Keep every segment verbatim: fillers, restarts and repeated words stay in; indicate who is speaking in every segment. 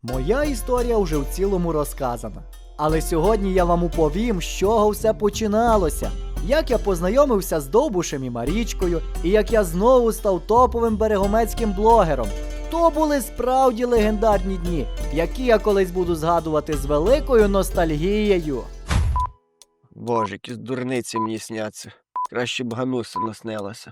Speaker 1: Моя історія вже в цілому розказана. Але сьогодні я вам оповім, з чого все починалося. Як я познайомився з Довбушем і Марічкою, і як я знову став топовим берегомецьким блогером. То були справді легендарні дні, які я колись буду згадувати з великою ностальгією.
Speaker 2: Боже, якісь дурниці мені сняться. Краще б Гануся наснилася.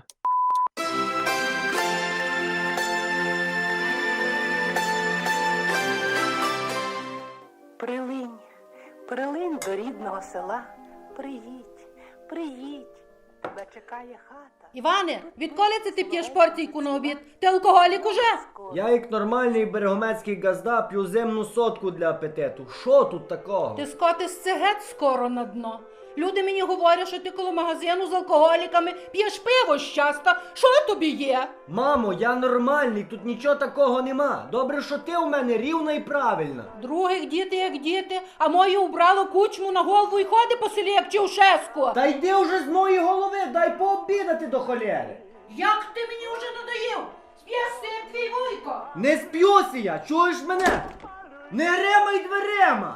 Speaker 3: Прилинь, прилинь до рідного села, приїдь, приїдь, тебе чекає хата.
Speaker 4: Іване, відколи це ти п'єш порційку на обід? Ти алкоголік уже?
Speaker 5: Я як нормальний берегомецький газда п'ю зимну сотку для апетиту. Що тут такого?
Speaker 4: Ти скотишся геть скоро на дно. Люди мені говорять, що ти коло магазину з алкоголіками п'єш пиво щасто. Що тобі є?
Speaker 5: Мамо, я нормальний, тут нічого такого нема. Добре, що ти у мене рівна і правильна.
Speaker 4: Других діти як діти, а моє убрало кучму на голову і ходить по селі, як Чаушеску.
Speaker 5: Та йди вже з моєї голови, дай пообідати до холєри.
Speaker 4: Як ти мені вже надоїв? Сп'єшся, як твій вуйко.
Speaker 5: Не сп'юся я, чуєш мене? Не гремай дверима!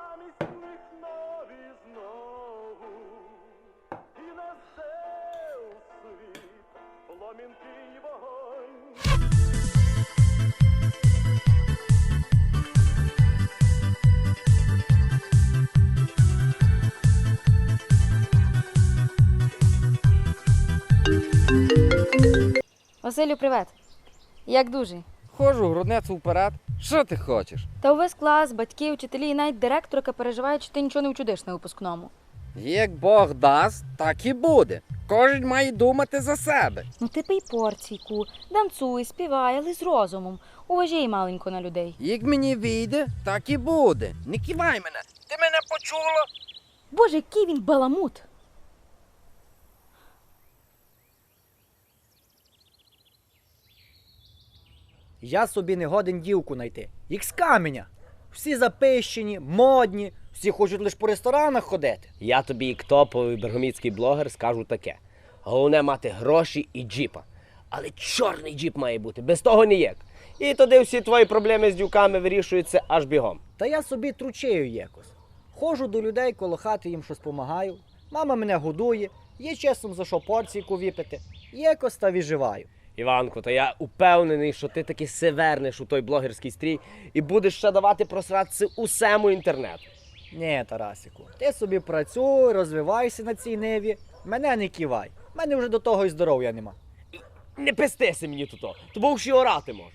Speaker 6: Василю, привет. Як дуже?
Speaker 7: Ходжу груднецю вперед. Що ти хочеш?
Speaker 6: Та увесь клас, батьки, вчителі і навіть директорка переживають, що ти нічого не вчудиш на випускному.
Speaker 7: Як Бог дасть, так і буде. Кожен має думати за себе.
Speaker 6: Ну ти пий порційку, танцуй, співай, але з розумом. Уважай маленько на людей.
Speaker 7: Як мені вийде, так і буде. Не кивай мене. Ти мене почула?
Speaker 6: Боже, який він баламут.
Speaker 1: Я собі не годен дівку знайти. Як з каменя. Всі запищені, модні, всі хочуть лише по ресторанах ходити.
Speaker 8: Я тобі, як топовий бергоміцький блогер, скажу таке. Головне мати гроші і джіпа. Але чорний джіп має бути, без того ніяк. І тоді всі твої проблеми з дюками вирішуються аж бігом.
Speaker 1: Та я собі тручею якось. Ходжу до людей, коло хати їм щось помагаю. Мама мене годує, є часом за що порційку випити. Якось та виживаю.
Speaker 8: Іванко, та я упевнений, що ти таки се вернеш у той блогерський стрій і будеш ще давати просратися усему інтернету.
Speaker 1: Ні, Тарасику, ти собі працюй, розвивайся на цій ниві. Мене не кивай. Мене вже до того і здоров'я нема.
Speaker 8: Не пестися мені тут, то бо ще орати можеш.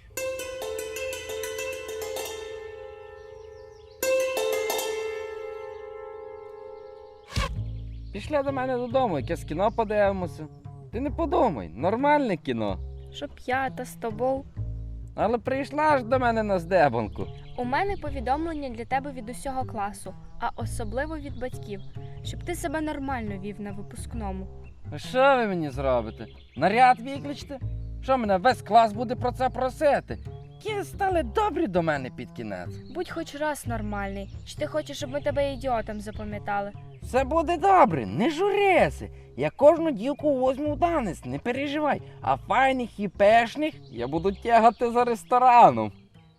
Speaker 7: Пішли до мене додому, якесь кіно подивимося. Ти не подумай, нормальне кіно.
Speaker 9: Щоб я та з тобою.
Speaker 7: Але прийшла ж до мене на здебанку.
Speaker 9: У мене повідомлення для тебе від усього класу, а особливо від батьків, щоб ти себе нормально вів на випускному.
Speaker 7: А що ви мені зробите? Наряд виключите? Що мене весь клас буде про це просити? Ті стали добрі до мене під кінець.
Speaker 9: Будь хоч раз нормальний, чи ти хочеш, щоб ми тебе ідіотом запам'ятали?
Speaker 7: Все буде добре, не журися. Я кожну дівку возьму в данець, не переживай. А файних і пешних я буду тягати за рестораном.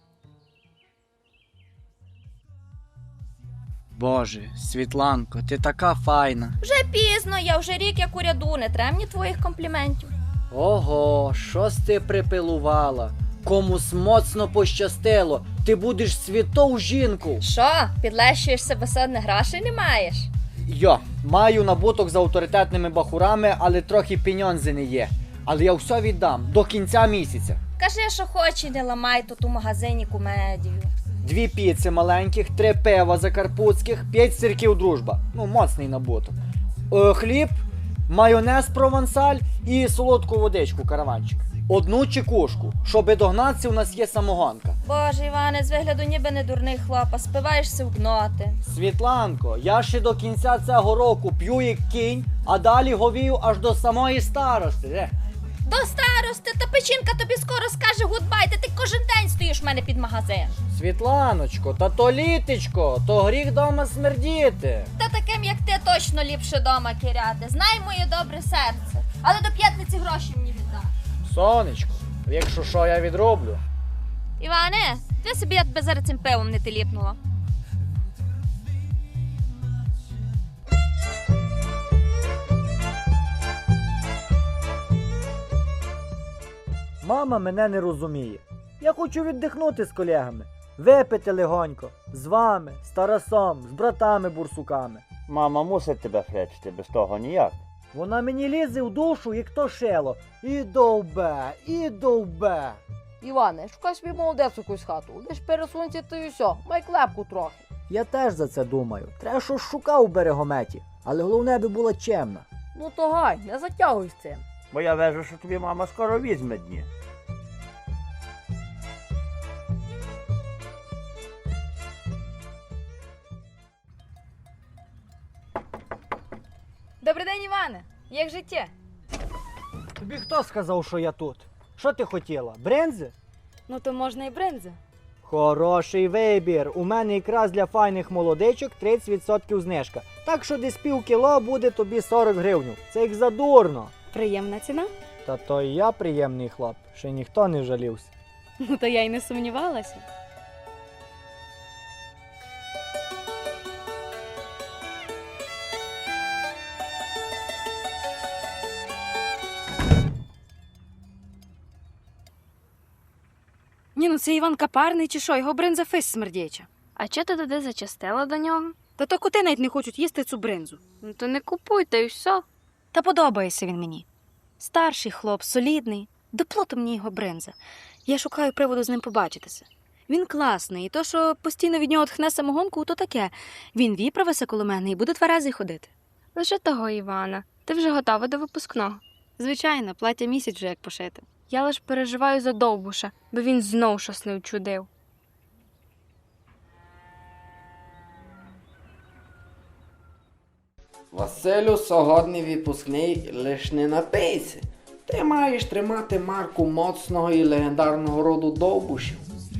Speaker 1: Боже, Світланко, ти така файна.
Speaker 10: Вже пізно, я вже рік як у ряду, не треба мені твоїх компліментів.
Speaker 1: Ого, щось ти припилувала. Комусь моцно пощастило. Ти будеш святов жінку.
Speaker 10: Що, підлещуєш себе садне грошей не маєш?
Speaker 1: Йо, маю набуток з авторитетними бахурами, але трохи пеньонзи не є. Але я все віддам до кінця місяця.
Speaker 10: Кажи, що хоч і не ламай тут у магазині кумедію.
Speaker 1: Дві піци маленьких, три пива закарпутських, п'ять сирків дружба. Ну, моцний набуток. Е, хліб, майонез провансаль і солодку водичку караванчик. Одну чекушку. Щоби догнатися, у нас є самогонка.
Speaker 10: Боже, Іване, з вигляду ніби не дурний хлопа, спиваєшся в гноти.
Speaker 1: Світланко, я ще до кінця цього року п'ю як кінь, а далі говію аж до самої старости. Е.
Speaker 10: До старости, та печінка тобі скоро скаже гудбай, та ти кожен день стоїш в мене під магазин.
Speaker 1: Світланочко, та то літечко, то гріх дома смердіти.
Speaker 10: Та таким, як ти, точно ліпше дома кіряти. Знай моє добре серце. Але до п'ятниці гроші мені віддаш.
Speaker 1: Сонечко, якщо що, я відроблю.
Speaker 10: Іване, Ти собі я тебе зараз цим пивом не теліпнула.
Speaker 1: Мама мене не розуміє. Я хочу віддихнути з колегами, випити легонько, з вами, з Тарасом, з братами-бурсуками.
Speaker 11: Мама мусить тебе хречити, без того ніяк.
Speaker 1: Вона мені лізе в душу, як то шило. І довбе, і довбе.
Speaker 12: Іване, шукай собі молодець якусь хату. Лиш пересунься ти і все, май клепку трохи.
Speaker 1: Я теж за це думаю. Треба щось шукав у берегометі, але головне би була чемна.
Speaker 12: Ну то гай, не затягуй з цим.
Speaker 11: Бо я вежу, що тобі мама скоро візьме дні.
Speaker 6: Добрий день, Іване. Як життя?
Speaker 1: Тобі хто сказав, що я тут? Що ти хотіла? Брензи?
Speaker 6: Ну то можна і брензи.
Speaker 1: Хороший вибір. У мене якраз для файних молодичок тридцять відсотків знижка. Так що десь пів кіло буде тобі сорок гривень. Це як задурно.
Speaker 6: Приємна ціна?
Speaker 1: Та то і я приємний хлоп. Ще ніхто не жалівся.
Speaker 6: Ну то я й не сумнівалася. Ні, ну це Іван Капарний чи що, його бринза фис смердяча.
Speaker 9: А чого ти туди зачастила до нього?
Speaker 6: Та то коти навіть не хочуть їсти цю бринзу.
Speaker 9: Ну то не купуй, та й все.
Speaker 6: Та подобається він мені. Старший хлоп, солідний. Доплото мені його бринза. Я шукаю приводу з ним побачитися. Він класний, і то, що постійно від нього тхне самогонку, то таке. Він віправиться коло мене і буде тверезий ходити.
Speaker 9: Лише того, Івана. Ти вже готова до випускного.
Speaker 6: Звичайно, плаття місяць вже як пошити.
Speaker 9: Я лиш переживаю за Довбуша, бо він знов щось не вчудив.
Speaker 7: Василю, сьогодні випускний лиш не напийся. Ти маєш тримати марку моцного і легендарного роду Довбушів.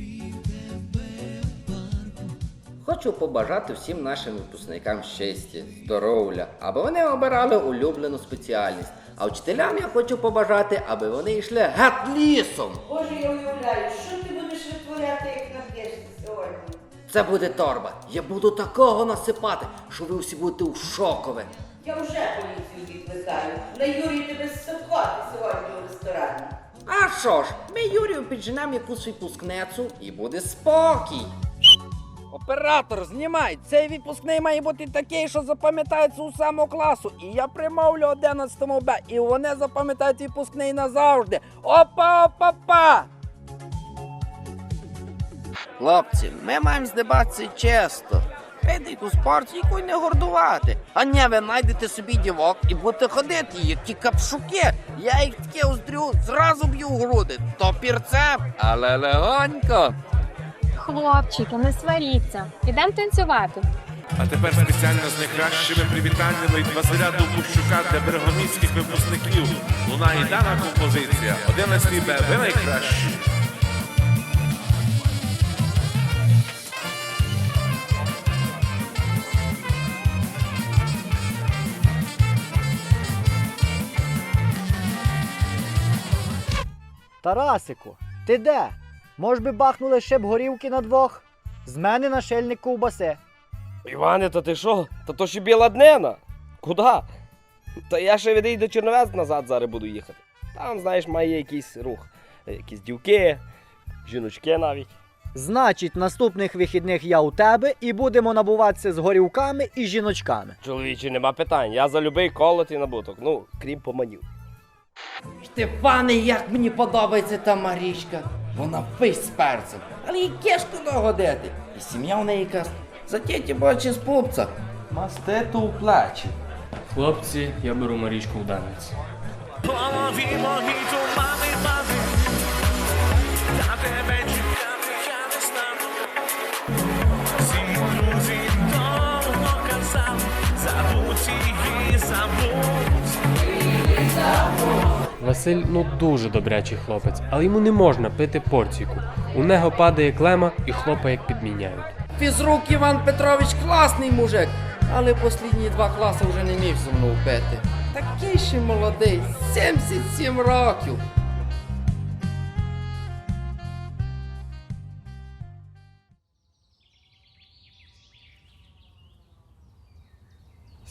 Speaker 13: Хочу побажати всім нашим випускникам щастя, здоров'я, аби вони обирали улюблену спеціальність. А вчителям я хочу побажати, аби вони йшли геть лісом.
Speaker 3: Боже, я уявляю, що ти будеш витворяти, як нап'єшся сьогодні?
Speaker 13: Це буде торба. Я буду такого насипати, що ви всі будете у шокове.
Speaker 3: Я вже поліцію відвертаю. На Юрію тебе стопати сьогодні у ресторані.
Speaker 13: А що ж, ми Юрію підженемо якусь випускницю і буде спокій.
Speaker 7: Оператор, знімай! Цей випускний має бути такий, що запам'ятається у самого класу. І я примовлю одинадцятому Б, і вони запам'ятають випускний назавжди. Опа-опа-па!
Speaker 2: Хлопці, ми маємо здебатися чесно. Підіть у спорт, якою не гордувати. А не ви знайдете собі дівок і будете ходити, як ті капшуки. Я їх таке уздрю, зразу б'ю в груди. То пірцем, але легонько.
Speaker 9: Хлопчики, не сваріться. Ідемо танцювати.
Speaker 14: А тепер спеціально з найкращими привітаннями від Василя Довбущука для берегоміських випускників. Лунає дана композиція. одинадцятий Б, ви найкращі.
Speaker 1: Тарасику, ти де? Мож би бахнули ще б горівки на двох? З мене нашельник ковбаси.
Speaker 8: Іване, то ти що? Та то ще біла днина. Куда? Та я ще відійду до Черновець назад зараз буду їхати. Там, знаєш, має якийсь рух. Якісь дівки, жіночки навіть.
Speaker 1: Значить, наступних вихідних я у тебе і будемо набуватися з горівками і жіночками.
Speaker 8: Чоловічі, нема питань. Я за любий колот і набуток. Ну, крім поманів.
Speaker 7: Штефане, як мені подобається та Марічка. Вона фись з перцем, але їй кешку догодити. І сім'я в неї якась затєті бачить з пупця. Мастету у плечі.
Speaker 15: Хлопці, я беру Марічку в данець. Василь, ну дуже добрячий хлопець, але йому не можна пити порційку. У нього падає клема і хлопа як підміняють.
Speaker 7: Фізрук Іван Петрович класний мужик, але останні два класи вже не міг зо мною пити. Такий ще молодий, сімдесят сім років.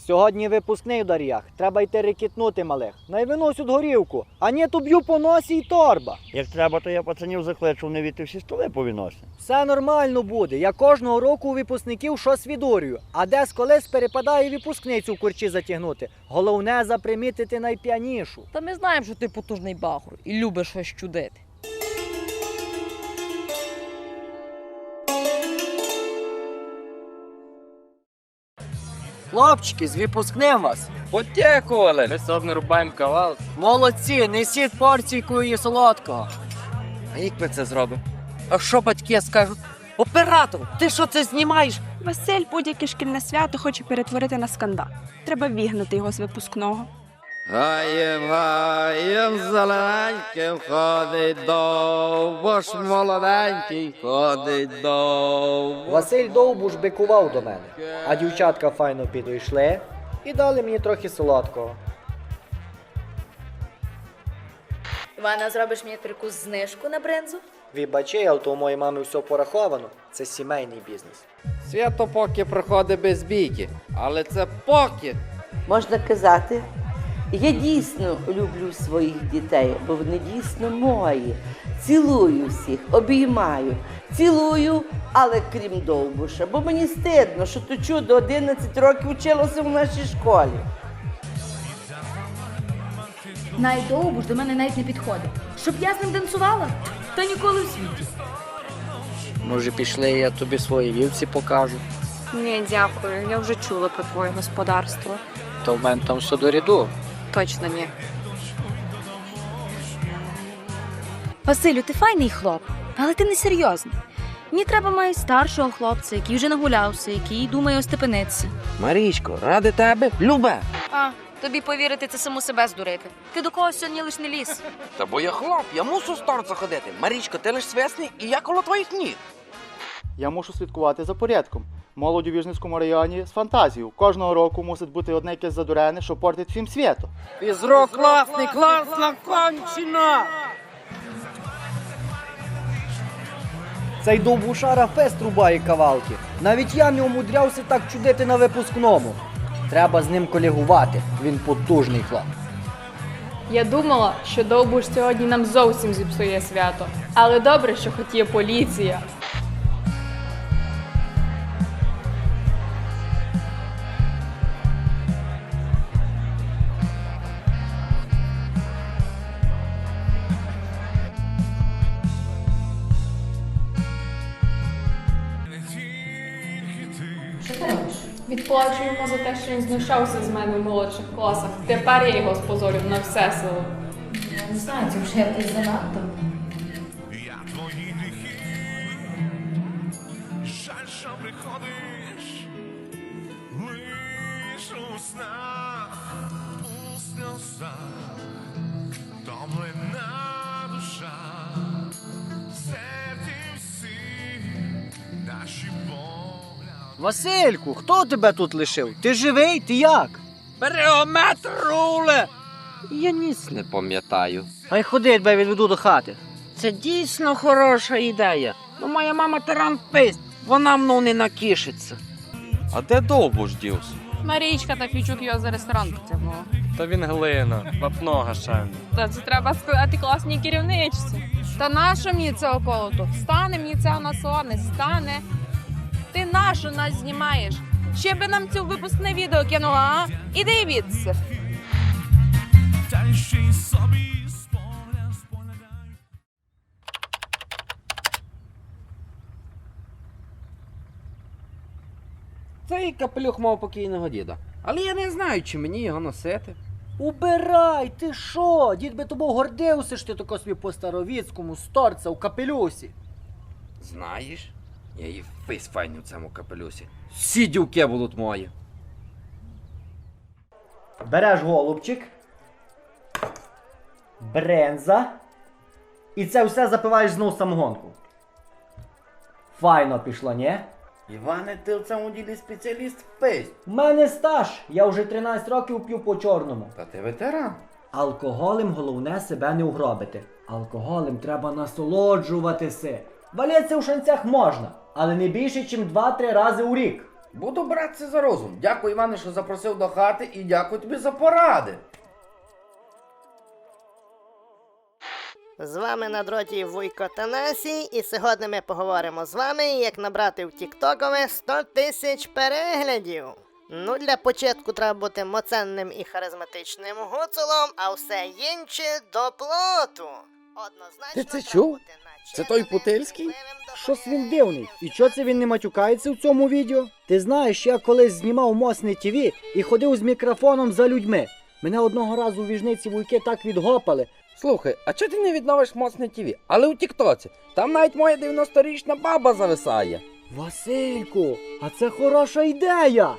Speaker 1: Сьогодні випускний в Дар'ях. Треба йти рекетнути малих. Най виносять горівку, а ні, то б'ю по носі й торба.
Speaker 11: Як треба, то я пацанів закличу, вони віти всі столи повіносять.
Speaker 1: Все нормально буде. Я кожного року у випускників щось відурюю. А десь колись перепадає випускницю в курчі затягнути. Головне запримітити найп'янішу.
Speaker 12: Та ми знаємо, що ти потужний бахур і любиш щось чудити.
Speaker 1: Хлопчики, з випускним вас.
Speaker 7: Подякували. Ми собі не рубаємо кавал.
Speaker 1: Молодці, несіть порційку і солодкого.
Speaker 7: А як ми це зробимо? А що батьки скажуть? Оператор, ти що це знімаєш?
Speaker 16: Василь будь-яке шкільне свято хоче перетворити на скандал. Треба вігнати його з випускного.
Speaker 2: Гаєм, гаєм, зелененьким ходить довго ж молоденький ходить довго.
Speaker 1: Василь Довбуш бикував до мене, а дівчатка файно підійшли і дали мені трохи солодкого.
Speaker 17: Івана, зробиш мені таку знижку на бринзу?
Speaker 1: Вибачай, але то у моєї мами все пораховано. Це сімейний бізнес.
Speaker 2: Свято поки проходить без бійки, але це поки.
Speaker 18: Можна казати, я дійсно люблю своїх дітей, бо вони дійсно мої. Цілую всіх, обіймаю, цілую, але крім Довбуша, бо мені стидно, що то чудо одинадцять років вчилося в нашій школі.
Speaker 10: Найдовбуш до мене навіть не підходить. Щоб я з ним танцювала? Та ніколи в світі.
Speaker 1: Може пішли, я тобі свої вівці покажу.
Speaker 16: Ні, дякую, я вже чула про твоє господарство.
Speaker 1: То в мене там все до ряду.
Speaker 16: Точно ні.
Speaker 6: Василю, ти файний хлоп, але ти не серйозний. Мені треба має старшого хлопця, який вже нагулявся, який думає остепенитися.
Speaker 7: Марічко, ради тебе, любе.
Speaker 6: А, тобі повірити, це саму себе здурити. Ти до когось сьогодні лиш не ліз.
Speaker 7: Та бо я хлоп, я мушу старця ходити. Марічко, ти лиш свесний і я коло твоїх ніг.
Speaker 19: Я мушу слідкувати за порядком. Молодь у Віжницькому районі з фантазією. Кожного року мусить бути одне якесь задурене, що портить всім світу.
Speaker 2: Фізрок класний, класна кончина!
Speaker 1: Цей довбушара фест рубає кавалки. Навіть я не умудрявся так чудити на випускному. Треба з ним колегувати, він потужний хлоп.
Speaker 20: Я думала, що Довбуш сьогодні нам зовсім зіпсує свято. Але добре, що хоч є поліція. Що ти робиш? Відплачу йому за те, що він знущався з мене в молодших класах. Тепер я його спозорю на все село.
Speaker 10: Я не знаю, це вже якось занадто.
Speaker 14: Жаль, що приходиш лиш у снах, у сльозах, втомлена душа, серці всі наші погляди.
Speaker 1: Васильку, хто тебе тут лишив? Ти живий? Ти як?
Speaker 2: Берегометр руле! Я ніс не пам'ятаю.
Speaker 1: Хай ходи, тебе відведу до хати.
Speaker 2: Це дійсно хороша ідея. Ну, моя мама тиран писть, вона мною не накішиться.
Speaker 21: А де Довбуш дівся?
Speaker 20: Марічка та Фічук його за ресторан потягнула.
Speaker 15: Та він глина, вапно гашальне.
Speaker 20: Та це треба сказати класній керівничці. Та нащо мені це околото? Стане мені це на сон, не стане. Ти нащо нас знімаєш? Ще би нам цю випускне відео кинула, а? Іди відси.
Speaker 7: Цей капелюх мав покійного діда. Але я не знаю, чи мені його носити.
Speaker 1: Убирай, ти що? Дід би тобою гордився, що ти тако собі по-старовіцькому сторця у капелюсі.
Speaker 7: Знаєш, я і фейс файний у цьому капелюсі. Всі дівки будуть мої.
Speaker 1: Береш голубчик, бренза, і це все запиваєш знов самогонку. Файно пішло, ні?
Speaker 7: Іване, ти в цьому ділі спеціаліст в фейс.
Speaker 1: У мене стаж, я вже тринадцять років п'ю по чорному.
Speaker 7: Та ти ветеран.
Speaker 1: Алкоголем головне себе не угробити. Алкоголем треба насолоджуватися. Валятися у шанцях можна, але не більше, ніж два-три рази у рік.
Speaker 7: Буду братися за розум. Дякую, Іване, що запросив до хати, і дякую тобі за поради.
Speaker 4: З вами на дроті Вуйко Танасій, і сьогодні ми поговоримо з вами, як набрати в тіктокове сто тисяч переглядів. Ну, для початку треба бути моценним і харизматичним гуцулом, а все інше до плоту.
Speaker 7: Ти це чув? Це той Путильський?
Speaker 5: Щось він дивний. І чого це він не матюкається в цьому відео? Ти знаєш, я колись знімав Мосне ТВ і ходив з мікрофоном за людьми. Мене одного разу у віжниці вуйки так відгопали.
Speaker 7: Слухай, а чого ти не відновиш Моцне ТВ? Але у Тіктоці. Там навіть моя дев'яносторічна баба зависає.
Speaker 5: Васильку, а це хороша ідея!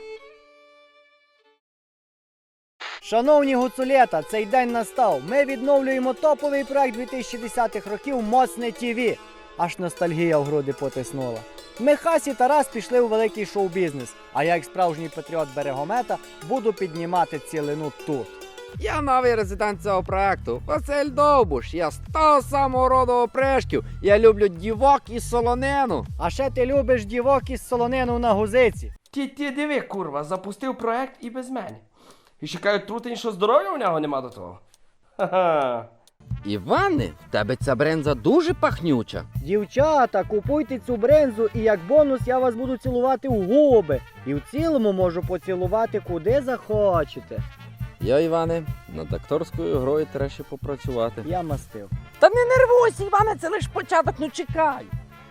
Speaker 5: Шановні гуцулєта, цей день настав. Ми відновлюємо топовий проект дві тисячі десятих років Моцне ТВ. Аж ностальгія в груди потиснула. Михась і Тарас пішли у великий шоу-бізнес, а я, як справжній патріот Берегомета, буду піднімати цілину тут.
Speaker 2: Я новий резидент цього проекту, Василь Довбуш. Я з того самого роду опришків. Я люблю дівок і солонину.
Speaker 5: А ще ти любиш дівок із солонину на гузиці.
Speaker 22: Ті, ті, диви, курва, запустив проект і без мене. І ще кажуть, трутень, що здоров'я у нього нема до того. Ха-ха.
Speaker 7: Іване, в тебе ця бренза дуже пахнюча.
Speaker 5: Дівчата, купуйте цю брензу, і як бонус я вас буду цілувати в губи. І в цілому можу поцілувати куди захочете.
Speaker 7: Я, Іване, над акторською грою треба ще попрацювати.
Speaker 5: Я мастив.
Speaker 2: Та не нервуйся, Іване, це лише початок, ну чекай.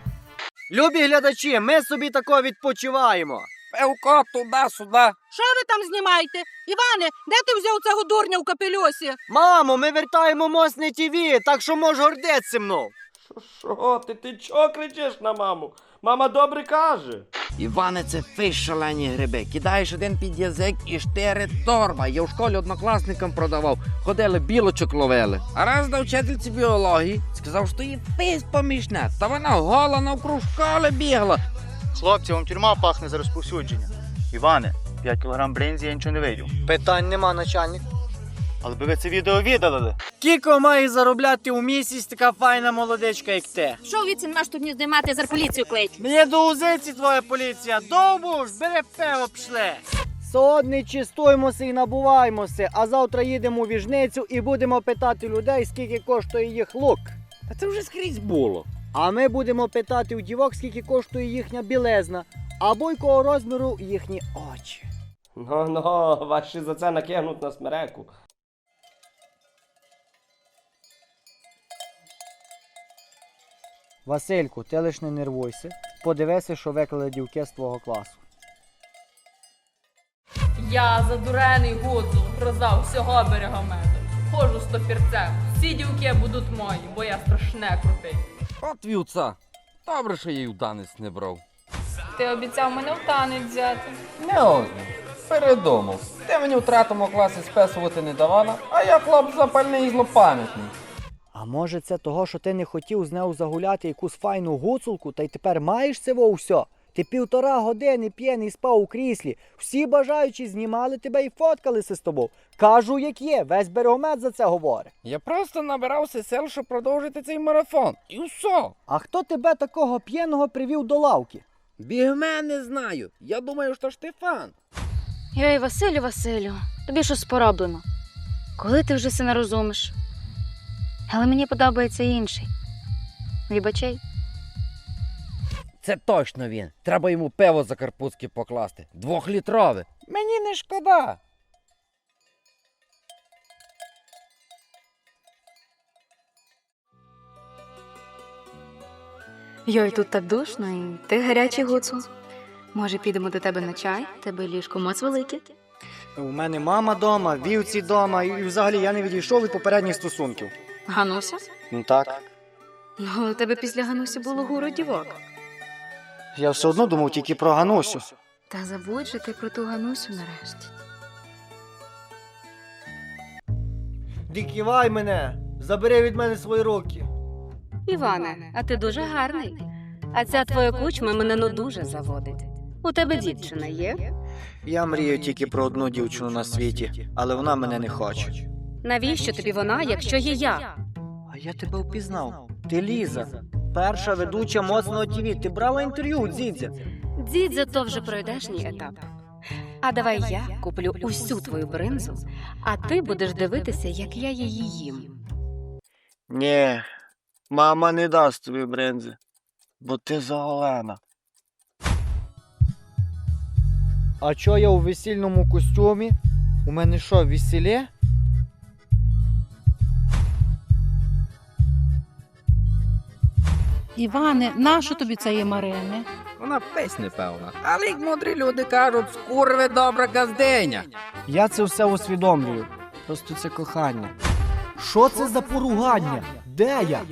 Speaker 5: Любі глядачі, ми собі тако відпочиваємо.
Speaker 2: Певко, туди-сюди.
Speaker 3: Що ви там знімаєте? Іване, де ти взяв цього дурня в капелюсі?
Speaker 5: Мамо, ми вертаємо Мосне ТВ, так що можеш гордитися мною.
Speaker 22: Що ти, ти чого кричиш на маму? Мама добре каже.
Speaker 2: Іване, це фиш шалені гриби. Кидаєш один під язик і штири торба. Я в школі однокласникам продавав. Ходили, білочок ловили. А раз до вчительці біології сказав, що її фись помішне. Та вона гола навкруг школи бігла.
Speaker 19: Хлопці, вам тюрма пахне за розповсюдження. Іване, п'ять кілограм бринзі я нічого не вийду.
Speaker 5: Питань нема, начальник.
Speaker 19: Але би ви це відео видалили.
Speaker 5: Кіко має заробляти у місяць така файна молодечка, як ти.
Speaker 10: Що від маєш тут не здіймати, за поліцію клич?
Speaker 5: Мені до узиці твоя поліція. Довбуш, бери пиво, пшли. Сьогодні чистуємося і набуваємося, а завтра їдемо у віжницю і будемо питати людей, скільки коштує їх лук.
Speaker 2: Та це вже скрізь було.
Speaker 5: А ми будемо питати у дівок, скільки коштує їхня білизна, або якого розміру їхні очі.
Speaker 22: Ну-ну, ваші за це накинуть на смереку.
Speaker 5: Васильку, ти лиш не нервуйся. Подивися, що виклали дівки з твого класу.
Speaker 20: Я задурений гуцул, гроза всього Берегомету. Ходжу з топірцем, всі дівки будуть мої, бо я страшне крутий.
Speaker 7: От вівца. Добре, що я її в танець не брав.
Speaker 20: Ти обіцяв мене в танець взяти.
Speaker 7: Не озно. Передумав. Ти мені в третьому класі списувати не давала, а я хлоп запальний і злопам'ятний.
Speaker 5: А може це того, що ти не хотів з нею загуляти якусь файну гуцулку, та й тепер маєш це во все? Ти півтора години п'єний спав у кріслі, всі бажаючі знімали тебе і фоткалися з тобою. Кажу, як є, весь Берегомет за це говорить.
Speaker 7: Я просто набирався сил, щоб продовжити цей марафон. І все.
Speaker 5: А хто тебе такого п'єного привів до лавки?
Speaker 2: Бігмен не знаю. Я думаю, що Штефан.
Speaker 6: Йой, Василю, Василю, тобі щось пороблено. Коли ти вже все не розумиш? Але мені подобається інший. Вибачай.
Speaker 7: Це точно він. Треба йому пиво за карпузки покласти. Двохлітрове. Мені не шкода.
Speaker 6: Йой, тут так душно, і ти гарячий гуцул. Може, підемо до тебе на чай? Тебе ліжко моц велике.
Speaker 5: У мене мама дома, вівці дома, і взагалі я не відійшов від попередніх стосунків.
Speaker 6: Гануся?
Speaker 5: Ну так.
Speaker 6: Ну, у тебе після Ганусі було гуру дівок.
Speaker 5: Я все одно думав тільки про Ганусю.
Speaker 6: Та забудь же ти про ту Ганусю нарешті.
Speaker 5: Диківай мене! Забери від мене свої руки.
Speaker 6: Іване, а ти дуже гарний. А ця твоя кучма мене ну дуже заводить. У тебе дівчина є?
Speaker 5: Я мрію тільки про одну дівчину на світі, але вона мене не хоче.
Speaker 6: Навіщо тобі вона, якщо є я?
Speaker 5: А я тебе впізнав. Ти Ліза. перша ведуча моцного ТІВІ. Ти брала інтерв'ю у Дзідзя.
Speaker 6: Дзідзя то вже пройдешній етап. А давай я куплю усю твою бринзу, а ти будеш дивитися, як я її їм.
Speaker 9: Ні, мама не дасть тобі бринзи, бо ти заголена.
Speaker 5: А чо я у весільному костюмі? У мене що, весілє?
Speaker 3: Іване, нащо тобі цієї Марини?
Speaker 2: Вона песь непевна. Але як мудрі люди кажуть, скурви добра газдиня.
Speaker 5: Я це все усвідомлюю. Просто це кохання.
Speaker 1: Що це за поругання? Де я?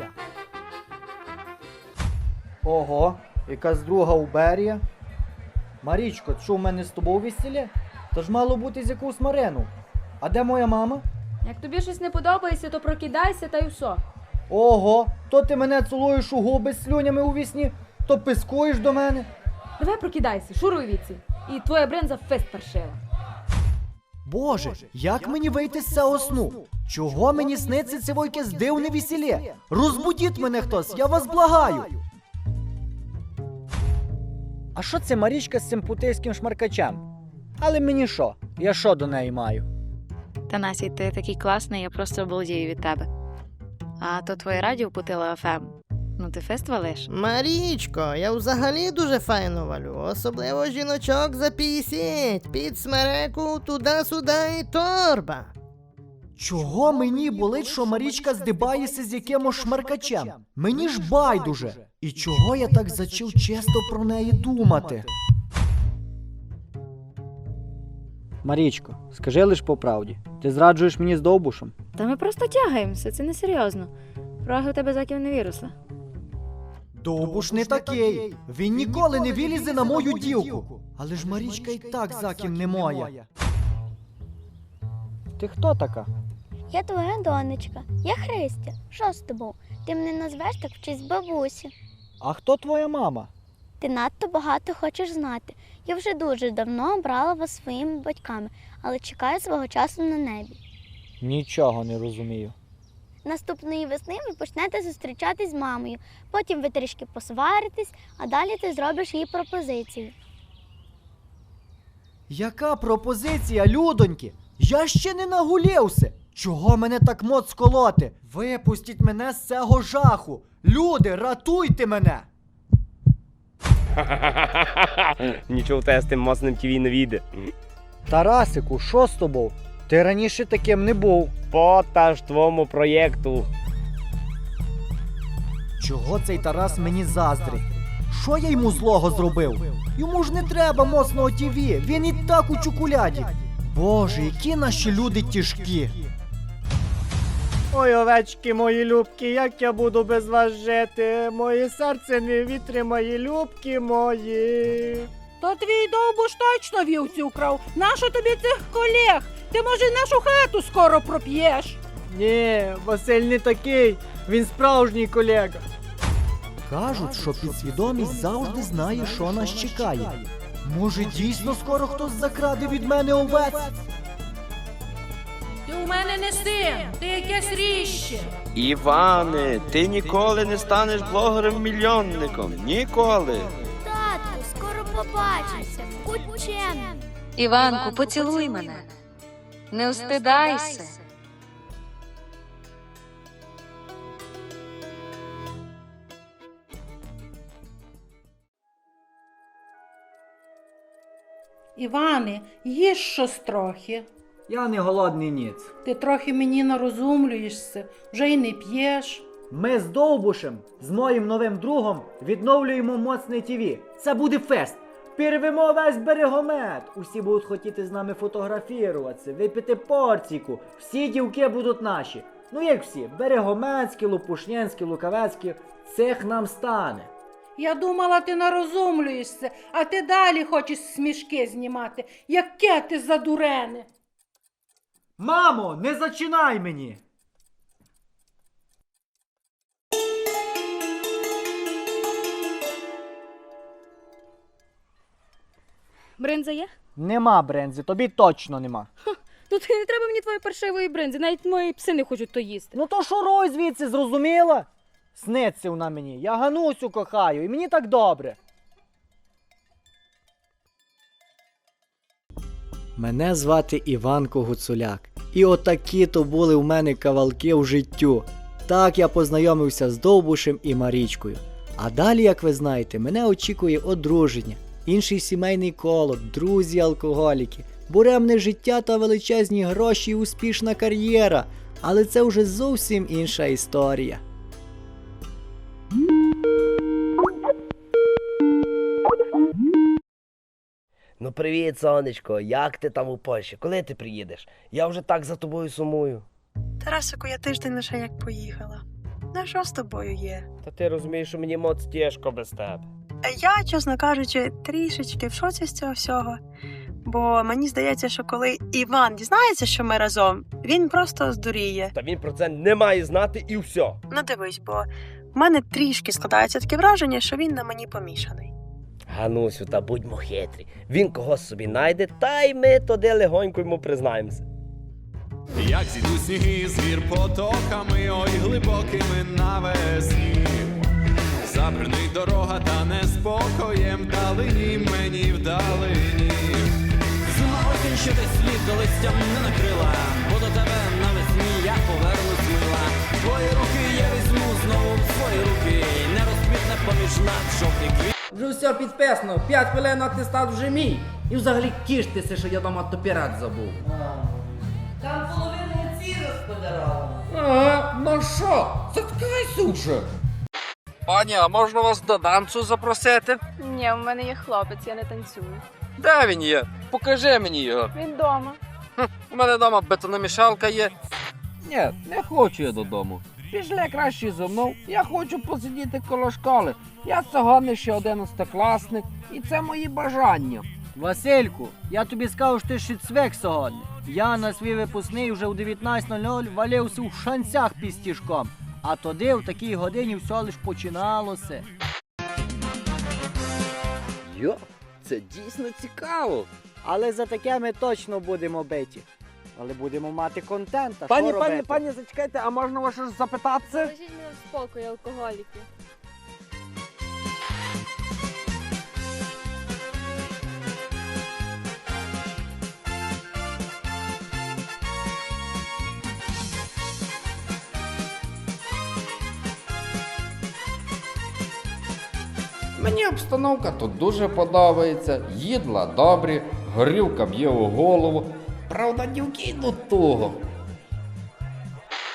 Speaker 5: Ого, якась друга Уберія. Марічко, що в мене з тобою весілля? Та ж мало бути з якусь Марину. А де моя мама?
Speaker 17: Як тобі щось не подобається, то прокидайся та й все.
Speaker 5: Ого, то ти мене цілуєш у губи з слюнями у вісні, то пискуєш до мене.
Speaker 17: Давай прокидайся, шуруй віці. І твоя бринза фест паршива.
Speaker 1: Боже, як мені вийти з цього сну? Чого мені сниться це якесь дивне весілля? Розбудіть мене хтось, я вас благаю.
Speaker 5: А що це Марічка з цим путейським шмаркачем? Але мені що? Я що до неї маю?
Speaker 6: Танасій, ти такий класний, я просто обалдію від тебе. А то твоє радіо Путила еф ем. Ну ти фест валиш?
Speaker 4: Марічко, я взагалі дуже файно валю, особливо жіночок за п'ятдесят, під смереку, туди-сюди і торба.
Speaker 1: Чого мені болить, що Марічка здибається з якимось шмаркачем? Мені ж байдуже. І чого я так зачав чисто про неї думати?
Speaker 5: Марічко, скажи лиш по правді. Ти зраджуєш мені з Довбушем?
Speaker 6: Та ми просто тягаємося, це не серйозно. Роги у тебе заків не виросли.
Speaker 1: Довбуш не такий. Він ніколи не вилізе на мою дівку. Але ж Марічка і так заким не моя.
Speaker 5: Ти хто така?
Speaker 13: Я твоя донечка, я Христя. Що з тобою? Ти мене назвеш так в честь бабусі.
Speaker 5: А хто твоя мама?
Speaker 13: Ти надто багато хочеш знати. Я вже дуже давно брала вас своїми батьками, але чекаю свого часу на небі.
Speaker 5: Нічого не розумію.
Speaker 13: Наступної весни ви почнете зустрічатись з мамою, потім ви трішки посваритесь, а далі ти зробиш їй пропозицію.
Speaker 1: Яка пропозиція, людоньки? Я ще не нагулівся. Чого мене так моц колоти? Випустіть мене з цього жаху. Люди, ратуйте мене!
Speaker 8: Нічого в тебе з тим моцним ТІВІ не війде.
Speaker 5: Тарасику, що з тобою? Ти раніше таким не був.
Speaker 8: По та ж твому проєкту.
Speaker 1: Чого цей Тарас мені заздрить? Що я йому злого зробив? Йому ж не треба моцного ТІВІ, він і так у чоколяді. Боже, які наші люди тяжкі.
Speaker 5: Ой, овечки мої любки, як я буду без вас жити? Моє серце не витримає, любки мої.
Speaker 3: То твій Довбуш точно вівці украв. Нащо тобі цих колег? Ти, може, нашу хату скоро проп'єш?
Speaker 5: Ні, Василь не такий, він справжній колега.
Speaker 1: Кажуть, що підсвідомість завжди знає, що нас чекає. Може, дійсно скоро хтось закраде від мене овець?
Speaker 3: Ти у мене не син, ти якесь ріще.
Speaker 21: Іване, ти ніколи не станеш блогером-мільйонником. Ніколи.
Speaker 13: Татку, скоро побачимося. Учем.
Speaker 6: Іванку, поцілуй мене. Не устидайся.
Speaker 3: Іване, їж щось трохи.
Speaker 5: Я не голодний ніц.
Speaker 3: Ти трохи мені нарозумлюєшся, вже й не п'єш.
Speaker 5: Ми з Довбушем, з моїм новим другом, відновлюємо моцне ТІВІ. Це буде фест. Пірвемо весь берегомет. Усі будуть хотіти з нами фотографіруватися, випити порційку. Всі дівки будуть наші. Ну як всі, берегометські, лопушнянські, лукавецькі. Цих нам стане.
Speaker 3: Я думала, ти нарозумлюєшся, а ти далі хочеш смішки знімати. Яке ти задурене.
Speaker 1: Мамо, не зачинай мені!
Speaker 6: Бринза є?
Speaker 5: Нема брензи, тобі точно нема.
Speaker 6: Ну ти не треба мені твоєї паршивої бринзи, навіть мої пси не хочуть то їсти.
Speaker 5: Ну то шуруй звідси, зрозуміла? Сниться вона мені. Я Ганусю кохаю, і мені так добре.
Speaker 1: Мене звати Іванко Гуцуляк. І отакі то були в мене кавалки в життю. Так я познайомився з Довбушем і Марічкою. А далі, як ви знаєте, мене очікує одруження, інший сімейний коло, друзі-алкоголіки, буремне життя та величезні гроші і успішна кар'єра. Але це вже зовсім інша історія.
Speaker 8: Ну привіт, сонечко, як ти там у Польщі? Коли ти приїдеш? Я вже так за тобою сумую.
Speaker 16: Тарасику, я тиждень лише як поїхала. На що з тобою є?
Speaker 8: Та ти розумієш, що мені моц тяжко без тебе.
Speaker 16: Я, чесно кажучи, трішечки в шоці з цього всього. Бо мені здається, що коли Іван дізнається, що ми разом, він просто здуріє.
Speaker 8: Та він про це не має знати і все.
Speaker 16: Ну дивись, бо в мене трішки складається таке враження, що він на мені помішаний.
Speaker 8: Ганусю, та будьмо хитрі. Він когось собі найде, та й ми туди легонько йому признаємося.
Speaker 11: Як зійдуть сніги з гір потоками, ой глибокими навесні. Забринить дорога та неспокоєм вдалині мені вдалині.
Speaker 12: Зима осінь, що десь слід до листям не накрила, бо до тебе навесні я повернусь мила. Твої руки я візьму знову в свої руки, не розквітне поміж нас жовтий квіт.
Speaker 7: Вже все підписано, п'ять хвилин атестат вже мій. І взагалі тіштеся, що я дома топірат забув.
Speaker 2: Там половину ці розподарував.
Speaker 7: Ага, ну що, заткайся вже.
Speaker 2: Пані, а можна вас до танцю запросити?
Speaker 20: Ні, у мене є хлопець, я не танцюю.
Speaker 2: Де він є? Покажи мені його.
Speaker 20: Він вдома.
Speaker 2: Хм, у мене вдома бетономішалка є.
Speaker 7: Ні, не хочу я додому. Пішли краще зо мною, я хочу посидіти коло школи. Я сьогодні ще одинадцятикласник, і це мої бажання.
Speaker 5: Васильку, я тобі скажу, що ти ще цвек сьогодні. Я на свій випускний вже у дев'ятнадцять нуль нуль валився в шанцях пістішком. А тоді в такій годині все лиш починалося.
Speaker 8: Йо, це дійсно цікаво.
Speaker 5: Але за таке ми точно будемо биті. Але будемо мати контент, а
Speaker 7: Пані,
Speaker 5: що
Speaker 7: пані,
Speaker 5: робити?
Speaker 7: пані, зачекайте, а можна вас щось запитатися?
Speaker 20: Лежіть мене в спокої, алкоголіки.
Speaker 22: Мені обстановка тут дуже подобається, їдла добрі, горілка б'є у голову. Правда, дівки йдуть туго.